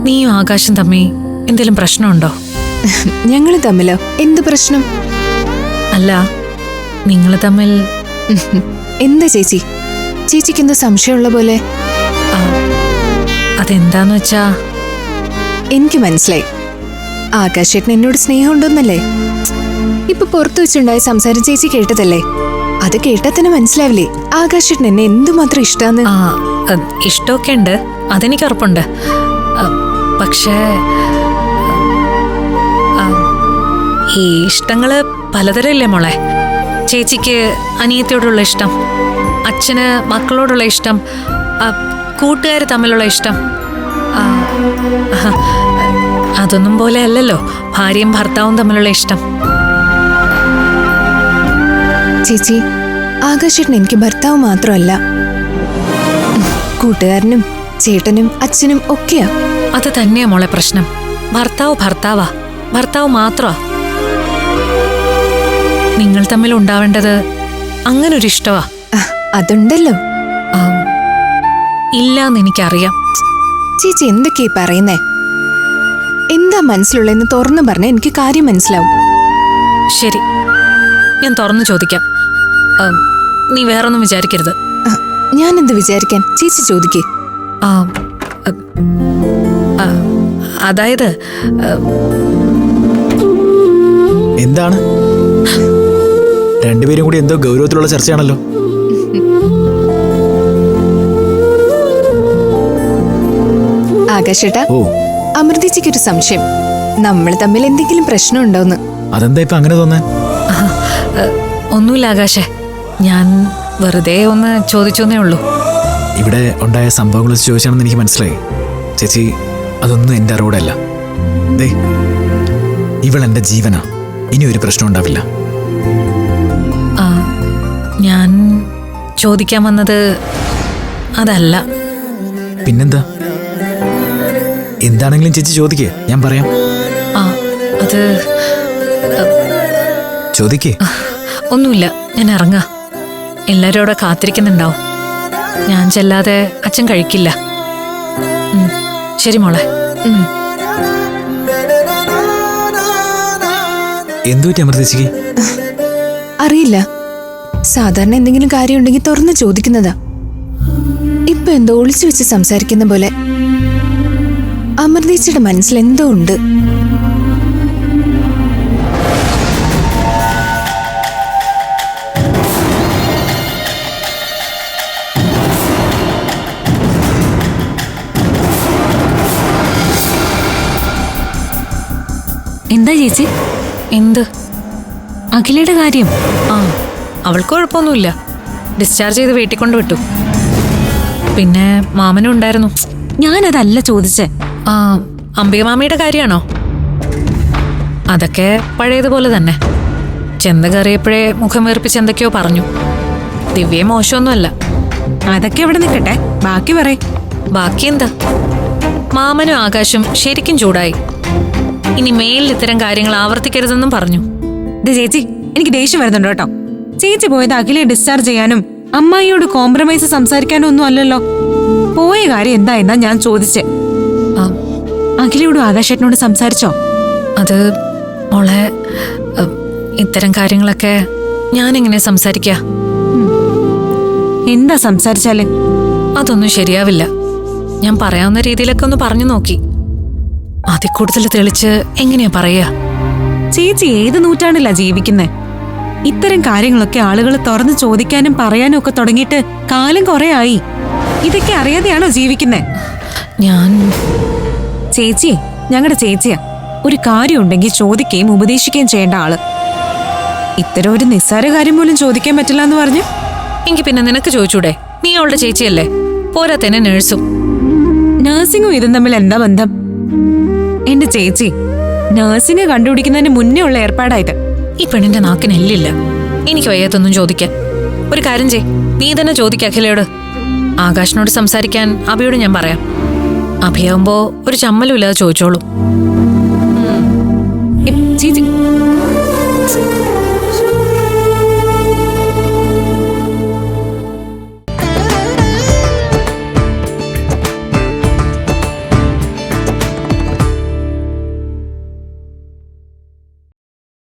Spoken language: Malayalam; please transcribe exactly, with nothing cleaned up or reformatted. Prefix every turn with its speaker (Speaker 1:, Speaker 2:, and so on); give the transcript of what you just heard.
Speaker 1: നീയും ആകാശം തമ്മി എന്തെങ്കിലും പ്രശ്നമുണ്ടോ?
Speaker 2: ഞങ്ങൾ തമ്മിലോ? എന്ത് പ്രശ്നം?
Speaker 1: അല്ല, നിങ്ങൾ തമ്മിൽ
Speaker 2: എന്താ ചേച്ചി? ചേച്ചിക്ക് എന്താ സംശയമുള്ള പോലെ?
Speaker 1: അതെന്താന്ന് വെച്ചാ
Speaker 2: എനിക്ക് മനസ്സിലായി. ആകാശേട്ടൻ എന്നോട് സ്നേഹമുണ്ടോന്നല്ലേ? ഇപ്പൊ പുറത്തു വെച്ചുണ്ടായ സംസാരം ചേച്ചി കേട്ടതല്ലേ? അത് കേട്ടാ തന്നെ മനസ്സിലാവില്ലേ ആകാശേട്ടൻ എന്നെ എന്തുമാത്രം ഇഷ്ടാന്ന്?
Speaker 1: ആ ഇഷ്ടമൊക്കെ ഉണ്ട്, അതെനിക്ക് ഉറപ്പുണ്ട്. പക്ഷേ ഈ ഇഷ്ടങ്ങള് പലതരമില്ലേ മോളെ? ചേച്ചിക്ക് അനിയത്തിയോടുള്ള ഇഷ്ടം, അച്ഛന് മക്കളോടുള്ള ഇഷ്ടം, കൂട്ടുകാർ തമ്മിലുള്ള ഇഷ്ടം. അതൊന്നും പോലെ അല്ലല്ലോ ഭാര്യയും ഭർത്താവും തമ്മിലുള്ള ഇഷ്ടം.
Speaker 2: ചേച്ചി, ആകാശേട്ടൻ എനിക്ക് ഭർത്താവ് മാത്രമല്ല, കൂട്ടുകാരനും ചേട്ടനും അച്ഛനും ഒക്കെയാ.
Speaker 1: അത് തന്നെയാ മോളെ പ്രശ്നം. ഭർത്താവ് ഭർത്താവാ, ഭർത്താവ് മാത്രമാ. നിങ്ങൾ തമ്മിൽ ഉണ്ടാവേണ്ടത് അങ്ങനൊരു ഇഷ്ടമാ.
Speaker 2: അതുണ്ടല്ലോ.
Speaker 1: ഇല്ലാന്ന് എനിക്കറിയാം.
Speaker 2: ചേച്ചി എന്തൊക്കെയാ പറയുന്നേ? എന്താ മനസ്സിലുള്ളതെന്ന് തുറന്നു പറഞ്ഞ എനിക്ക് കാര്യം മനസ്സിലാവും.
Speaker 1: ശരി, ഞാൻ തുറന്നു ചോദിക്കാം. നീ വേറൊന്നും വിചാരിക്കരുത്.
Speaker 2: ഞാൻ എന്ത് വിചാരിക്കാൻ? ചേച്ചി ചോദിക്കേ.
Speaker 1: അതായത്
Speaker 3: എന്താണ്? രണ്ടുപേരും കൂടി എന്തോ ഗൗരവത്തിലുള്ള ചർച്ചയാണല്ലോ.
Speaker 2: ആകാശേട്ടാ, അമൃതേച്ചിക്ക് ഒരു സംശയം. നമ്മൾ തമ്മിൽ എന്തെങ്കിലും പ്രശ്നം ഉണ്ടോന്ന്.
Speaker 3: അതെന്താ ഇപ്പൊ അങ്ങനെ തോന്നാൻ?
Speaker 1: ഒന്നുമില്ല ആകാശേ, ഞാൻ വെറുതെ ഒന്ന് ചോദിച്ചോന്നേ ഉള്ളൂ.
Speaker 3: ഇവിടെ ഉണ്ടായ സംഭവങ്ങൾ വെച്ച് ചോദിച്ചാണെന്ന് എനിക്ക് മനസ്സിലായി. ചേച്ചി, അതൊന്നും എന്റെ അറിവോടല്ല. ദേ, ഇവൾ എന്റെ ജീവനാ. ഇനി ഒരു പ്രശ്നം ഉണ്ടാവില്ല.
Speaker 1: ഞാൻ ചോദിക്കാൻ വന്നത് അതല്ല.
Speaker 3: പിന്നെന്താ? എന്താണെങ്കിലും ചേച്ചി ചോദിക്കേ, ഞാൻ പറയാം.
Speaker 1: ആ അത്
Speaker 3: ചോദിക്കേ.
Speaker 1: ഒന്നുമില്ല, ഞാൻ ഇറങ്ങാ. എല്ലാവരും അവിടെ കാത്തിരിക്കുന്നുണ്ടാവും. ഞാൻ ചെല്ലാതെ അച്ഛൻ കഴിക്കില്ല. ശരി മോളെ.
Speaker 3: എന്തു പറ്റി അമൃതേച്ചിക്ക്?
Speaker 2: അറിയില്ല. സാധാരണ എന്തെങ്കിലും കാര്യം ഉണ്ടെങ്കിൽ തുറന്ന് ചോദിക്കുന്നതാ. ഇപ്പൊ എന്തോ ഒളിച്ചു വെച്ച് സംസാരിക്കുന്ന പോലെ. അമൃതേച്ചിയുടെ മനസ്സിൽ എന്തോ ഉണ്ട്.
Speaker 1: എന്താ ചേച്ചി? എന്ത്? അഖിലയുടെ കാര്യം? ആ, അവൾക്ക് കുഴപ്പമൊന്നുമില്ല. ഡിസ്ചാർജ് ചെയ്ത് വീട്ടിൽ കൊണ്ട് വിട്ടു. പിന്നെ മാമനും ഉണ്ടായിരുന്നു.
Speaker 4: ഞാനതല്ല ചോദിച്ചേ.
Speaker 1: ആ, അംബിക മാമിയുടെ കാര്യമാണോ? അതൊക്കെ പഴയതുപോലെ തന്നെ. ചെന്ന് കയറിയപ്പോഴേ മുഖം വീർപ്പിച്ച് എന്തൊക്കെയോ പറഞ്ഞു. ദിവ്യ മോശമൊന്നുമല്ല.
Speaker 4: അതൊക്കെ ഇവിടെ നിൽക്കട്ടെ, ബാക്കി പറയ്.
Speaker 1: ബാക്കി എന്താ? മാമനും ആകാശും ശരിക്കും ചൂടായി. ഇനി മേലിൽ ഇത്തരം കാര്യങ്ങൾ ആവർത്തിക്കരുതെന്നും പറഞ്ഞു.
Speaker 4: ചേച്ചി, എനിക്ക് ദേഷ്യം വരുന്നുണ്ട് കേട്ടോ. ചേച്ചി പോയത് അഖിലെ ഡിസ്ചാർജ് ചെയ്യാനും അമ്മായിയോട് കോംപ്രമൈസ് സംസാരിക്കാനും ഒന്നും അല്ലല്ലോ. പോയ കാര്യം എന്താ എന്നാ ഞാൻ ചോദിച്ചേ. അഖിലയോടും ആകാശേട്ടനോട് സംസാരിച്ചോ?
Speaker 1: അത് മോളെ, ഇത്തരം കാര്യങ്ങളൊക്കെ ഞാനെങ്ങനെ സംസാരിക്കാ?
Speaker 4: എന്താ സംസാരിച്ചാല്?
Speaker 1: അതൊന്നും ശരിയാവില്ല. ഞാൻ പറയാവുന്ന രീതിയിലൊക്കെ ഒന്ന് പറഞ്ഞു നോക്കി. അതിൽ കൂടുതൽ തെളിച്ച് എങ്ങനെയാ പറയാ?
Speaker 4: ചേച്ചി ഏത് നൂറ്റാണ്ടിലാ ജീവിക്കുന്നേ? ഇത്തരം കാര്യങ്ങളൊക്കെ ആളുകൾ തുറന്ന് ചോദിക്കാനും പറയാനും ഒക്കെ തുടങ്ങിയിട്ട് കാലം കുറെ ആയി. ഇതൊക്കെ അറിയാതെയാണോ ജീവിക്കുന്നേ?
Speaker 1: ഞാൻ
Speaker 4: ചേച്ചിയെ ഞങ്ങളുടെ ചേച്ചിയാ. ഒരു കാര്യം ഉണ്ടെങ്കിൽ ചോദിക്കുകയും ഉപദേശിക്കുകയും ചെയ്യേണ്ട ആള്. ഇത്തരം ഒരു നിസ്സാര കാര്യം പോലും ചോദിക്കാൻ പറ്റില്ല എന്ന് പറഞ്ഞു.
Speaker 1: എങ്കിൽ പിന്നെ നിനക്ക് ചോദിച്ചൂടെ? നീ അവളുടെ ചേച്ചിയല്ലേ? പോരാത്തന്നെ നേഴ്സും.
Speaker 4: നഴ്സിംഗും ഇതും തമ്മിൽ എന്താ ബന്ധം? എന്റെ ചേച്ചി, നഴ്സിംഗ് കണ്ടുപിടിക്കുന്നതിന് മുന്നേ ഉള്ള ഏർപ്പാടായത്.
Speaker 1: ഈ പെണ്ണിന്റെ നാക്കിന് എല്ലില്ല. എനിക്ക് വയ്യാത്തൊന്നും ചോദിക്കാൻ. ഒരു കാര്യം ചെയ്, നീ തന്നെ ചോദിക്ക അഖിലയോട്. ആകാശിനോട് സംസാരിക്കാൻ അഭിയോട് ഞാൻ പറയാം. അഭിയാവുമ്പോ ഒരു ചമ്മലും ഇല്ലാതെ ചോദിച്ചോളൂ.
Speaker 4: ചേച്ചി